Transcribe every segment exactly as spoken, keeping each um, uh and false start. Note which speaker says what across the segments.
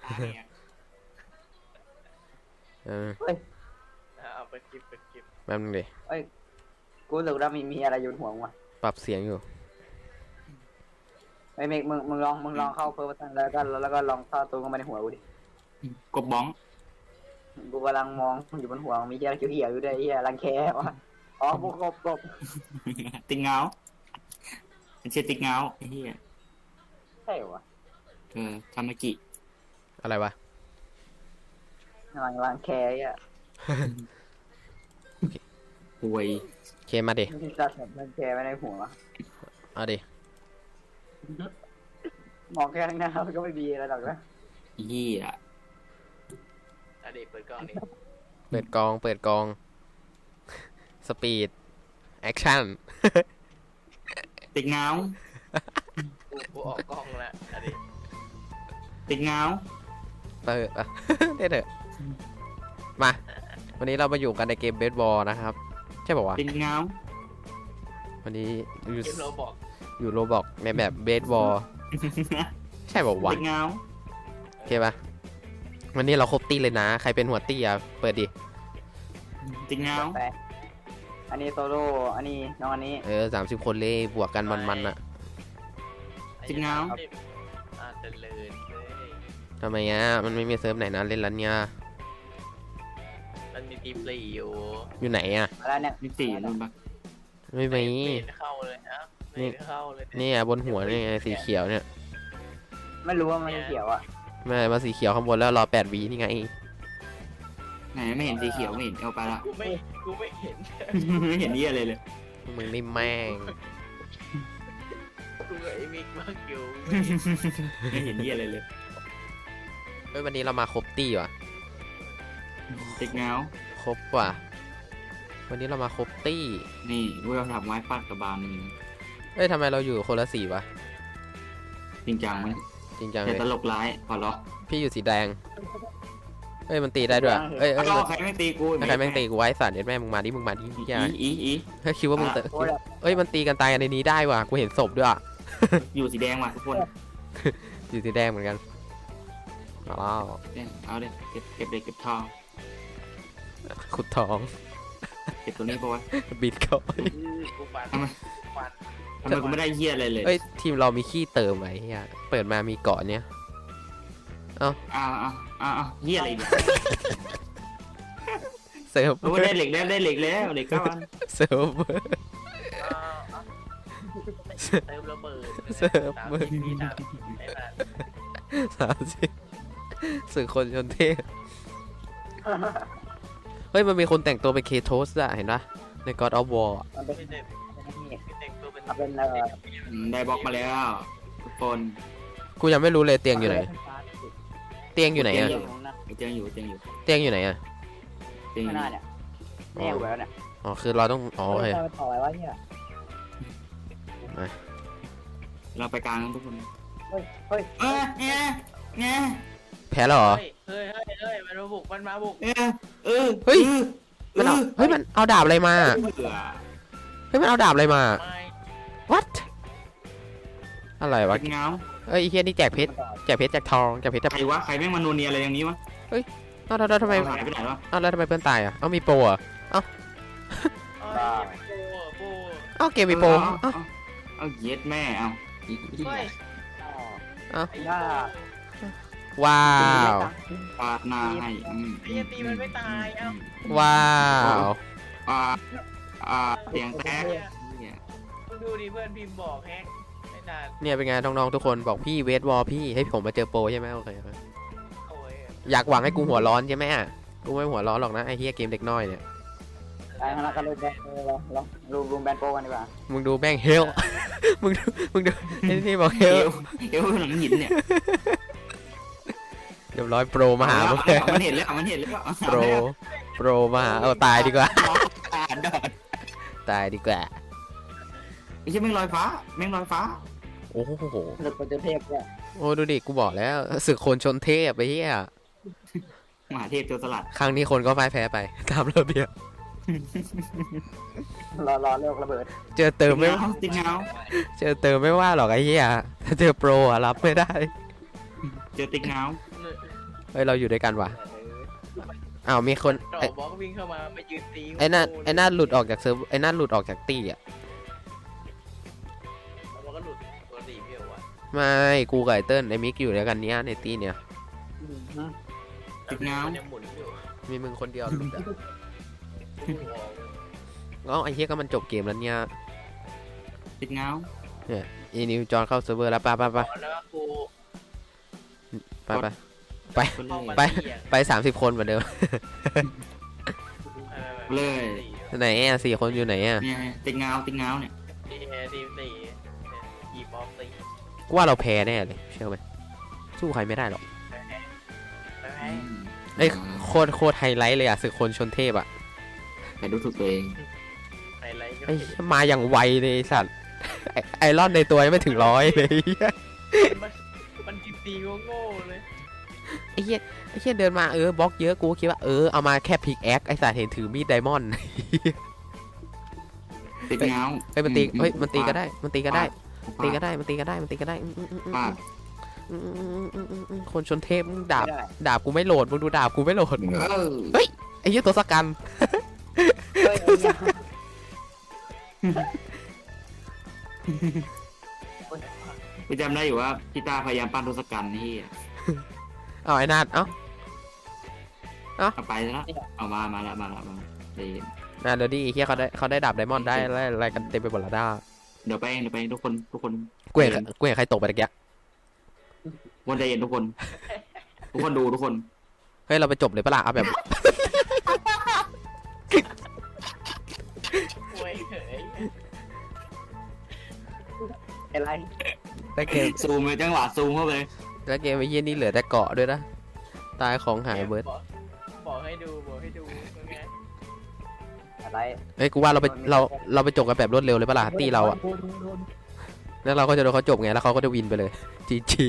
Speaker 1: เออ
Speaker 2: เฮ้ย
Speaker 3: เอาไปคลิปไปคลิป
Speaker 1: แป๊บนึงดิ
Speaker 2: เอ้ยกูรู้สึกว่ามีมีอะไรอยู่บนหัวมึงว่ะ
Speaker 1: ปรับเสียงอยู่
Speaker 2: ไอ้เมกมึงมึงลองมึงลองเข้าเพิ่มตันแล้วก็แล้วก็ลองเข้าตัวเข้ามาในหัวกูดิ
Speaker 4: กบบ้อง
Speaker 2: กูกำลังมองอยู่บนหัวมีเหี้ยเขียวๆอยู่ด้วยไอ้เหี้ยรังแควะอ๋อพวกกบกบ
Speaker 4: ติ๊กเงาเป็นเชื่อติ๊กเงาไอ้เหี้ย
Speaker 2: ใช่เหรอวะ
Speaker 4: เออทามากิ
Speaker 1: อะไรวะ
Speaker 2: รังรังแคไอ่ะ
Speaker 4: ป่วย
Speaker 1: เคมาดิ
Speaker 2: มีสัตว์แบบรังแคไว้ในหัว
Speaker 1: เอาดิ
Speaker 2: มองแค่ข้างหน้ามันก็ไม่มีอะไรหรอกนะ
Speaker 4: ไอ้เหี้ย
Speaker 3: อดีตเปิดกล้องนี่
Speaker 1: เปิดกอง เปิดกอง สปีด แอคชั่น
Speaker 4: ติ๊กเงา
Speaker 3: กูกูออกกล้องแล้วอดีต
Speaker 4: ติ๊กเงา
Speaker 1: เปิดอ่ะ ได้เถอะ มา วันนี้เรามาอยู่กันในเกมเบสบอลนะครับ ใช่ป่าวะ
Speaker 4: ติ๊กเงา
Speaker 1: วันนี้อยู่
Speaker 3: เกมเราบอก
Speaker 1: อยู่โรบอกในแบบเบสบอล ใช่ป่าวะ
Speaker 4: ติ๊กเงา
Speaker 1: โอเคปะวันนี้เราครบตีเลยนะ ใครเป็นหัวตีอ่ะ เปิดดิ
Speaker 4: ติ๊กเงา
Speaker 2: แปะอันนี้โซโล่อันนี้น้องอันนี้
Speaker 1: เออสามสิบคนเลยบวกกันมันๆอ่ะ
Speaker 4: ติ๊กเงา
Speaker 3: อาจจะเลินเลย
Speaker 1: ทำไมอ่ะ มันไม่มีเซิร์ฟไหนนะเล่นแล้วเนี่ย
Speaker 3: มันมีทีมสี่อยู่
Speaker 1: อยู่ไหนอ่ะ
Speaker 2: อะไรเนี่ย
Speaker 4: นี่สี่นู่นปะ
Speaker 1: ไม่มี
Speaker 3: ไม่เข้าเลยนะไม่เข้าเลย
Speaker 1: นี่อ่ะบนหัวนี่ไงสีเขียวเนี่ย
Speaker 2: ไม่รู้ว่ามันเขียวอ่ะ
Speaker 1: ไม่มาสีเขียวข้างบนแล้วรอแปดวีนี่ไง
Speaker 4: ไหนไม่เห็นสีเขียวไม่เห็นเอาไปละ
Speaker 3: กูไม่กูไม่เห็น
Speaker 4: ไม่เห็นเหี้ยอะไรเลย
Speaker 1: มึงนี่แม่ง
Speaker 3: กูกับไอ้มิกมากอยู่
Speaker 4: ไม่เห็นเหี้ยอะไรเลย
Speaker 1: เฮ้ยวันนี้เรามาครบตี้ว่ะ
Speaker 4: ติ๊กเงา
Speaker 1: ครบว่ะ วันนี้เรามาครบตี้
Speaker 4: นี่กูเราทำไม้ฟาดกระบาลมึง
Speaker 1: เอ้ยทำไมเราอยู่คนละสีวะ
Speaker 4: จริงจังไหม
Speaker 1: จริงจัง
Speaker 4: แต่
Speaker 1: เลย
Speaker 4: ตลกร้ายขอร้อง
Speaker 1: พี่อยู่สีแดง เอ้ยมันตีได้ด้วยเอ้ยเอ้ย
Speaker 4: เอาใครไม่ตีกู
Speaker 1: ถ้าใครแม่งตีกูไว้สัตว์เด็ดแม่มึงมาดิมึงมาดิ
Speaker 4: อี
Speaker 1: อย่า
Speaker 4: อีอี
Speaker 1: เฮ้ยคิดว่ามึงเตะ
Speaker 2: โอ้ย
Speaker 1: เอ้ยมันตีกันตายกันในนี้ได้ว่ะกูเห็นศพด้วยอ่ะ
Speaker 4: อยู่สีแดงว่ะทุกคน
Speaker 1: อยู่สีแดงเหมือนกันอ้าว
Speaker 4: เนี่ยเอาเลยเก็บเก็บเลยเก็บทอง
Speaker 1: ขุดทอง
Speaker 4: เก็บตัวนี้ปะวะ
Speaker 1: บิดเข้าไป
Speaker 3: กูฟันฟัน
Speaker 4: ทำไมกูไม่ได้เหี้ยอะไรเลย
Speaker 1: เอ้ยทีมเรามีขี้เติมไหมเฮียเปิดมามีเกาะเนี้ย
Speaker 4: อ้าวอ้าวอ้าวเหี้ยอะไรเนี่ย
Speaker 1: เซิร์ฟ
Speaker 4: โอ้ได้เหล็กแล้วได้เหล็กแล้วเหล็กก้อน
Speaker 1: เซิร์ฟเวอร์
Speaker 3: เติมระเบิด
Speaker 1: เสิร์ฟ
Speaker 3: สาม
Speaker 1: มือ
Speaker 3: สิบวินาทีไอ้นั่น
Speaker 1: สามสิบสื่อคนชนเทพเฮ้ยมันมีคนแต่งตัวเป็นเคโทสอะเห็นปะใน God of War อะ
Speaker 2: มันเป็น
Speaker 3: ไม่ได้ไม่แต่งตัวเป็น
Speaker 2: มันเป็นเอ่อ
Speaker 4: อืมได้บล็อกมาแล้วทุกคน
Speaker 1: กูยังไม่รู้เลยเตียงอยู่ไหน เตียงอยู่ไหนอะ
Speaker 2: เตียงของนั่น
Speaker 4: เตียงอยู่เตียงอยู่
Speaker 1: เตียงอยู่ไหนอะ
Speaker 4: เตียงอ
Speaker 2: ข้าง
Speaker 4: ยู่
Speaker 2: หน้าเนี่ยแน่อยู่แล้วเนี่ย
Speaker 1: อ๋อคือเราต้องอ๋อโอเค
Speaker 2: ไปต่ออะไรวะเนี่ย
Speaker 4: เราไปกลางกันทุกคน
Speaker 2: เฮ้ยเฮ้ย
Speaker 4: เออเนี่ยเนี่ย
Speaker 1: แพ้แล้วเหรอ
Speaker 3: เฮ้ยเฮ้ยเฮ้ยเฮ้ยมันมาบุกมันมาบุก
Speaker 4: เออเออ
Speaker 1: เฮ้ย มันเอาเฮ้ยมันเอาดาบอะไรมา
Speaker 4: เบื่อ
Speaker 1: เฮ้ยมันเอาดาบอะไรมา
Speaker 3: ไม่
Speaker 1: what อะไรวะ
Speaker 4: เงา
Speaker 1: เอ้ยไอ้เฮียนี่แจกเพชรแจกเพชรแจกทองแจกเพชรแจก
Speaker 4: ใครวะใครแม่งมาโนเนียอะไรอย่างนี้วะ
Speaker 1: เอ้าแล้วแล้วทำไม
Speaker 4: หายไปไหนวะ
Speaker 1: เอ้าแล้วทำไมเพื่อนตายอะเอ้ามีโปรอะ
Speaker 3: เอ้ยโป้โป้
Speaker 1: เอ้าเกมมีโปร
Speaker 4: เอา
Speaker 1: เอ้า
Speaker 4: เอาเย็ดแม่เอา
Speaker 3: เฮ้ย
Speaker 1: เอ้า
Speaker 3: ไอ้
Speaker 2: ถ้า
Speaker 1: ว้าว
Speaker 4: ปาดหน้าให้อืม
Speaker 3: ไอ้ตีมันไม่ตายเอ้า
Speaker 1: ว้าว
Speaker 4: อ่าอ่าเสียงแตกเนี่ย
Speaker 3: ดูดิเพื่อนพิมพ์บอกแฮกไม่นาน
Speaker 1: เนี่ยเป็นไงน้องๆทุกคนบอกพี่เวทวอลพี่ให้ผมมาเจอโปรใช่ไหมโอเคครับ
Speaker 3: โอ้ย
Speaker 1: อยากหวังให้กูหัวร้อนใช่ไหมอะกูไม่หัวร้อนหรอกนะไอ้เฮียเกมเด็กน้อยเนี่ย
Speaker 2: ไปข้างหน้าก็รูมแบนเออลองลองรูมรูมแบนโปกันดีกว่า
Speaker 1: มึงดูแม่งเฮล มึงดูมึงดูไอ้นี่บอกเฮ
Speaker 4: เอ
Speaker 1: ล
Speaker 4: วเอวหลังหินเนี่ย
Speaker 1: เรียบร้อยโปรมาหาพวกแก
Speaker 4: มันเห็นแล้วมันเห็นแล้ว
Speaker 1: โปรโปรมาหาเอาตายดีกว่า
Speaker 4: ตาดอด
Speaker 1: ตายดีกว่า
Speaker 4: ไม่ใช่แม่งลอยฟ้าแม่งลอยฟ้า
Speaker 1: โอ้โห
Speaker 2: หลุดโปรเจกต์เทพเนี่ย
Speaker 1: โอ้ดูดิกูบอกแล้วศึกคนชนเทพไปเฮีย
Speaker 4: มหาเทพโจรสลัด
Speaker 1: ครั้งนี้คนก็พ่ายแพ้ไปตามระเบียบ
Speaker 2: รอรอเลิกระเบิด
Speaker 1: เจอเติมไม่
Speaker 4: ติ๊กเงา
Speaker 1: เจอเติมไม่ว่าหรอกไอ้เหี้ยถ้าเจอโปรอะรับไม่ได้
Speaker 4: เจอติ๊กเงา
Speaker 1: เฮ้ยเราอยู่ด้วยกันว่ะ
Speaker 3: เออ
Speaker 1: อ้าวมีคน
Speaker 3: จ่อ
Speaker 1: ไอ้
Speaker 3: บล็อกวิ่งเข้ามาไปยืนตี
Speaker 1: ไอ้นั่น
Speaker 3: กู
Speaker 1: ไอ้นั่นหลุดออกจากเซิร์ฟไอ้นั่นหลุดออกจากตี้อ่ะ
Speaker 3: แล้วมันก็หลุดตัวตีพี่เหรอวะ
Speaker 1: ไม่กูกับไอ้เติ้ลไอ้มิกอยู่ด้วยกันเนี้ยในตี้เนี่ย
Speaker 2: อืมฮึ
Speaker 4: ติดเงา
Speaker 3: มันยังหมุนอยู่
Speaker 1: มีมึงคนเดียวหลุดอ่ะ
Speaker 3: กูออก
Speaker 1: เอ้าไอ้เหี้ยก็มันจบเกมแล้วเนี่ย
Speaker 4: ติดเงา
Speaker 1: อีนิวจอนเข้าเซิร์ฟเวอร์แล้วไปไปไป
Speaker 3: แล้วก็กู
Speaker 1: ไปไป
Speaker 4: ก็เล
Speaker 3: เข้าย มา
Speaker 1: ไป
Speaker 3: ตีอะ
Speaker 1: ไปสามสิบคนเหมือนเดิม
Speaker 3: ออ
Speaker 4: เลย
Speaker 1: ไหนอ่ะสี่คนอยู่ไหนอ่ะ
Speaker 4: เนี่ยติดเงาติดเงาเนี่ย
Speaker 3: ตีตีตีตีบอลตี
Speaker 1: กูว่าเราแพ้แน่เลยเชื่อไหมสู้ใครไม่ได้หรอก
Speaker 3: ไปแพ้ไปแพ้
Speaker 1: ไอ้ยโคตรโคตรไฮไลท์เลยอ่ะศึกคนชนเทพอ่ะ
Speaker 4: แต่ดูถูกตัวเอง
Speaker 3: ไฮไลท์ก็
Speaker 1: ไอ้
Speaker 3: คือ
Speaker 1: เหี้ยมาอย่างไวเลยไอ้สัตว์ไอ้ไอรอนในตัวยังไม่ถึงร้อยเลย
Speaker 3: มันมันตีตีโง่ๆเลย
Speaker 1: ไอ้เหี้ยไอ้เหี้ยเดินมาเออบล็อกเยอะกูคิดว่าเออเอามาแค่พิกแอคไอ้สัตว์เห็นถือมีดไดมอนด์
Speaker 4: ติดเงา
Speaker 1: เฮ้ยมันตีเฮ้ยมันตีก็ได้มันตีก็ได้
Speaker 4: ฟา
Speaker 1: ตีก็ได้มันตีก็ได้มันตีก็ได้อืมอืมอืมอืม
Speaker 4: ฟาด
Speaker 1: อืมอืมอืมอืมอืมคนชนเทพมึงดาบ
Speaker 2: ไม่ได้
Speaker 1: ดาบกูไม่โหลดมึงดูดาบกูไม่โหลด
Speaker 4: เออ
Speaker 1: ไอ้เหี้ยตัวสกัน
Speaker 2: เฮ้ยไอ้เหี้ย
Speaker 4: กูจำได้อยู่ว่าพี่ตาพยายามปั้นทศกัณฐ์นี่
Speaker 1: เอาไอ้นาดเอ้า
Speaker 4: เอาไปแล้วเอามามาแล้วมาแล้วมาเดี๋ยว
Speaker 1: นาเดี๋ยวดิไอ้เหี้ยเขาได้เขาได้ดาบไดมอนด์ได้อะไรอะไรกันเต็มไปหมดและด้า
Speaker 4: เดี๋ยวไปเองเดี๋ยวไปเองทุกคนทุกคน
Speaker 1: กูเห็นกูเห็นใครตกไปตะเกีย
Speaker 4: วันใจเย็นทุกคน ทุกคนดูทุกคน
Speaker 1: เฮ้ยเราไปจบเลยปะล่ะเอาแบบ
Speaker 3: โวยเฮ้ย
Speaker 2: อะไร
Speaker 1: ได้เกม
Speaker 4: ซูมเลยจังหวะซูมเข้าไป
Speaker 1: แล้วเกมไอ้เหี้ยนี่เหลือแต่เกาะด้วยนะตายของหายเบิร์ด
Speaker 3: บอกบอกให้ดูบอกให้ดูเป็นไง
Speaker 2: อะไร
Speaker 1: เฮ้ยกูว่าเราไปเราเราไปจบกันแบบรวดเร็วเลยปะล่ะตีเราอะ
Speaker 2: โดนโดนโดน
Speaker 1: แล้วเราก็จะโดนเขาจบไงแล้วเขาก็จะวินไปเลยจีจี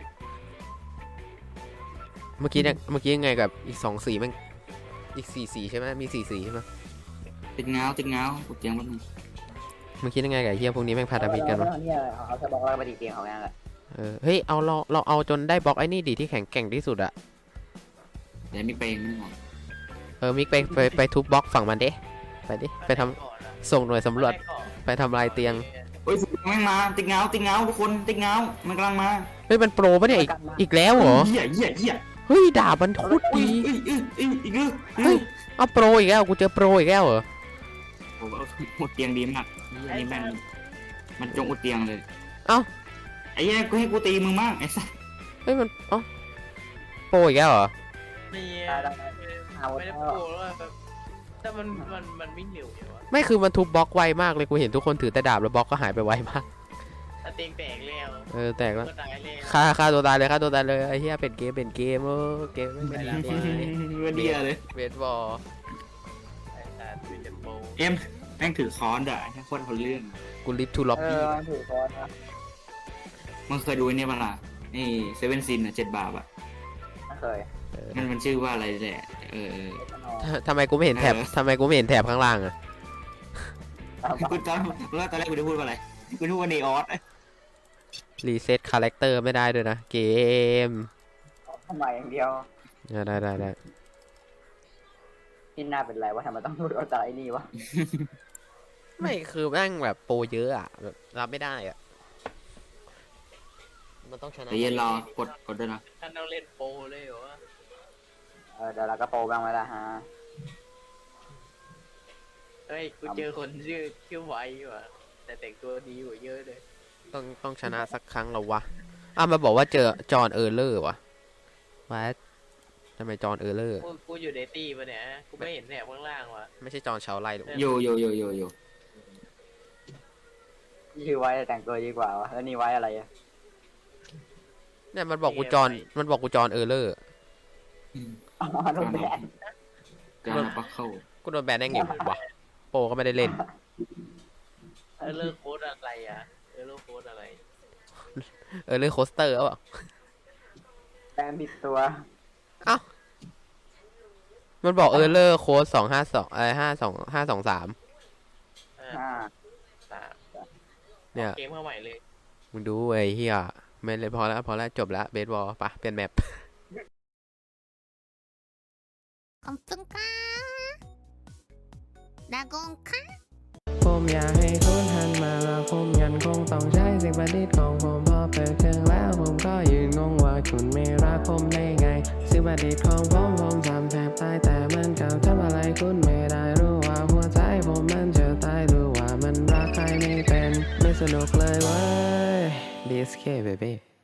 Speaker 1: เมื่อกี้เนี่ยเมื่อกี้ยังไงกับอีกสองสีแม่งอีกสี่สีใช่ไหมมีสี่สีใช่ไหม
Speaker 4: ติดเงาติดเงากูเจียงมันง
Speaker 1: เมื่อกี้ยังไงกับไอ้เฮียพวกนี้แม่งพาดามิดกันวะ
Speaker 2: เอาเนี่ยเอาแค่บอกว่าไปตีเตียงเขาแค่นั้นแหละ
Speaker 1: เออเฮ้ยเอาเราเราเอาจนได้บล็อกไอ้นี่ดิที่แข็งแกร่งที่สุดอะ
Speaker 4: เดี๋ยวมีเพลงมันหมด
Speaker 1: เออมิกไปไปไปทุบบล็อกฝั่งมันเด้ไปดิไปทำ
Speaker 3: ก่อนอะ
Speaker 1: ส่งหน่วยสำรวจ
Speaker 3: ไปก่อน
Speaker 1: ไปทำลายเตียง
Speaker 4: เฮ้ยแม่งมาติดเงาติดเงาทุกคนติดเงามันกำลังมา
Speaker 1: เฮ้ยมันโปรปะเนี่ยอีกอีกแล้วเหรอ
Speaker 4: เหี้ยเหี้ยเหี้ย
Speaker 1: เฮ้ยดาบมันโคตร
Speaker 4: อุ้ย
Speaker 1: ดี
Speaker 4: อุ้ยอุ้ยอุ้ยอีกแล้ว
Speaker 1: เฮ้ย เอาโปรอีกแล้วกูเจอโปรอีกแล้วเหรอ
Speaker 4: โอ้โหอุดเตียงดีมากอันนี้แม่งมันจงอุดเตียงเลย
Speaker 1: เอ้า
Speaker 4: ไอ้เหี้ยกูให้กูตีมึงมั่งไอ้สัส
Speaker 1: เฮ้ยมันเอ้าโปรอีกแล้วเหรอ
Speaker 3: นี่
Speaker 2: ได้ได้เอา
Speaker 3: ไม่ได้
Speaker 2: เอา
Speaker 3: โปรแล้วอะแบบแต่มันมันมันวิ่งเร็วอยู่วะ
Speaker 1: ไม่คือมันทุบบล็อกไวมากเลยกูเห็นทุกคนถือแต่ดาบแล้วบล็อกก็หายไปไวมาก
Speaker 3: แต่เตียงแตกแล้ว
Speaker 1: เออแตกแล้ว
Speaker 3: ก็ตายแล้ว
Speaker 1: ฆ่าฆ่าตัวตายเลยฆ่าตัวตายเลยไอ้เหี้ยเป็นเกมเป็นเกมเออเกมไม่เป็นเกม
Speaker 4: วันเดียเลย
Speaker 1: เวทบอล
Speaker 3: ไอ้สัตว์เป็นโปร
Speaker 4: เอ็มแม่งถือค้อนด่ะแค่คนคนเรื่อง
Speaker 1: กูลิฟทูล็อบ
Speaker 2: เอ
Speaker 1: บี้
Speaker 2: อมันถือคอนนะ
Speaker 4: มึงเคยดูไอ้เนี่ยมั้ยล่ะนี่เซเว่นซินอ่ะเจ็ดบาทอ่ะ
Speaker 2: ไม่เคย
Speaker 4: มันมันชื่อว่าอะไรแหละเออเออ
Speaker 2: เอสโน
Speaker 1: ทำไมกูไม่เห็นแถบ
Speaker 4: เออ
Speaker 1: ทำไมกูไม่เห็นแถบข้างล่างอะ
Speaker 4: กูตอนแล้วตอนแรกกูจะพูดว่าอะไรกูพูดว่าเนออส
Speaker 1: รีเซ็ตคาแรคเตอร์ไม่ได้ด้วยนะเกม
Speaker 2: ทำไมอย่างเดียว
Speaker 1: อ่ะได้ได้ได้
Speaker 2: ที่หน้าเป็นไรวะทำไมต้องพูดเอาแต่ไอ้นี่วะ
Speaker 1: ไม่คือแม่งแบบโปรเยอะอะแบบรับไม่ได้อะมันต้องชนะ
Speaker 4: เดี๋ยวเย็นรอกดกดด้วยนะ
Speaker 3: ท่านต้องเล่นโปรเลยเหรอวะ
Speaker 2: เออเดี๋ยวเราก็โปรบ้างไหมล่ะฮะ
Speaker 3: เฮ้ยกูเจอคนชื่อชื่อไวว่ะแต่แต่งตัวดีกว่าเยอะเลย
Speaker 1: ต้องต้องชนะสักครั้งแล้ววะอ่ะมาบอกว่าเจอจอห์นเออร์เลอร์วะว่าทำไมจอห์นเออร์เลอร์
Speaker 3: กูกูอยู่ในตี้ปะเนี่ยกูไม่เห็นแถบข้างล่างว่ะ
Speaker 1: ไม่ใช่จอห์นชาวไร่หรอก
Speaker 4: โยโยโยโยโย
Speaker 2: ชื่อไว้แต่งตัวดีกว่าวะแล้วนี่ไว้อะไรอะ
Speaker 1: เนี่ยมันบอกกูจอห์นมันบอกกูจอห์นเออร์เลอร์
Speaker 2: อ๋อโดนแบน
Speaker 4: การนับปักเข้า
Speaker 1: กูโดนแบนได้ไงวะโปรก็ไม่ได้เล่น
Speaker 3: เออเลิกโค้ดอะไรอ่ะเออเลิกโค้ดอะไร
Speaker 1: เออร์เลอร์โคสเตอร์เอาเปล่า
Speaker 2: แบนผิดตัว
Speaker 1: มันบอกเออร์เลอร์โค้ดสองห้าสองอะไรห้าสองห้าสองสาม
Speaker 3: อ่า
Speaker 2: อ่า
Speaker 3: สาม
Speaker 1: เนี่ย
Speaker 3: เกมเข้าใหม่เลย
Speaker 1: มึงดูไอ้เฮียไม่เลยพอแล้วพอแล้วจบแล้วเบสบอลปะเปลี่ยนแมป
Speaker 5: ขอบคุณค่ะดากงค่ะ
Speaker 6: ผมอยากให้คุณหันมาแล้วผมยันคงต้องใช้สิ่งประดิษฐ์ของผมพอเปิดเครื่องแล้วผมก็ยืนงงว่าคุณไม่รักผมได้ไงสิ่งประดิษฐ์ของผมผมทำแทบตายแต่มันก็ทำอะไรคุณไม่ได้รู้ว่าหัวใจผมมันจะตายรู้ว่ามันรักใครไม่เป็นไม่สนุกเลยเว้ย ดี เอส เค baby